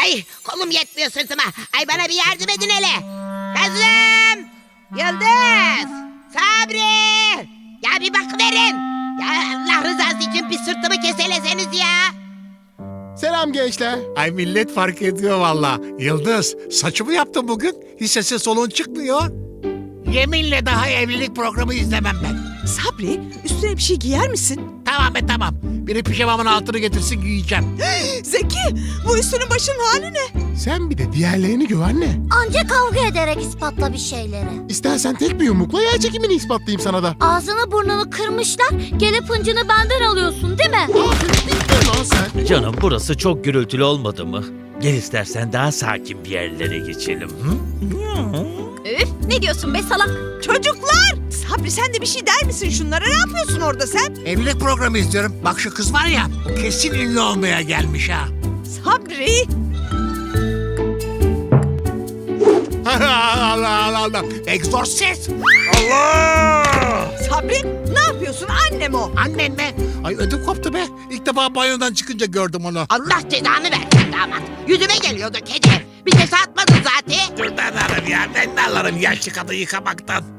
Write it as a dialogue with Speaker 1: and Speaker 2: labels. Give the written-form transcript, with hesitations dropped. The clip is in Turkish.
Speaker 1: Ay kolum yetmiyor sırtıma. Ay bana bir yardım edin hele. Kızım. Yıldız. Sabri. Ya bir bakıverin. Ya Allah rızası için bir sırtımı keseleseniz ya.
Speaker 2: Selam gençler.
Speaker 3: Ay millet fark ediyor valla. Yıldız, saçımı yaptın bugün. Hiç sesin soluğun çıkmıyor. Yeminle daha evlilik programı izlemem ben.
Speaker 4: Sabri, üstüne bir şey giyer misin?
Speaker 3: Tamam be tamam. Biri pijamamın altını getirsin giyeceğim.
Speaker 4: Zeki, bu üstünün başının hali ne?
Speaker 2: Sen bir de diğerlerini gör anne.
Speaker 5: Anca kavga ederek ispatla bir şeyleri.
Speaker 2: İstersen tek bir yumrukla yer çekimini ispatlayayım sana da.
Speaker 5: Ağzını burnunu kırmışlar. Gelip hıncını benden alıyorsun değil mi?
Speaker 2: Aferin bittin lan sen.
Speaker 6: Canım burası çok gürültülü olmadı mı? Gel istersen daha sakin bir yerlere geçelim. Hı?
Speaker 7: Üf, ne diyorsun be salak?
Speaker 4: Çocuklar! Sabri sen de bir şey der misin şunlara? Ne yapıyorsun orada sen?
Speaker 3: Evlilik programı izliyorum. Bak şu kız var ya, kesin ünlü olmaya gelmiş ha.
Speaker 4: Sabri!
Speaker 3: Allah Allah Allah. Egzorsiz. Allah!
Speaker 4: Sabri, ne yapıyorsun? Annem o.
Speaker 3: Annen mi? Ay ödüm koptu be. İlk defa banyodan çıkınca gördüm onu.
Speaker 1: Allah cezanı versin damat. Yüzüme geliyordu kedi. Bir kese atmadın zaten.
Speaker 3: Dur ben alırım ya. Ben de alırım yaşlı kadın yıkamaktan.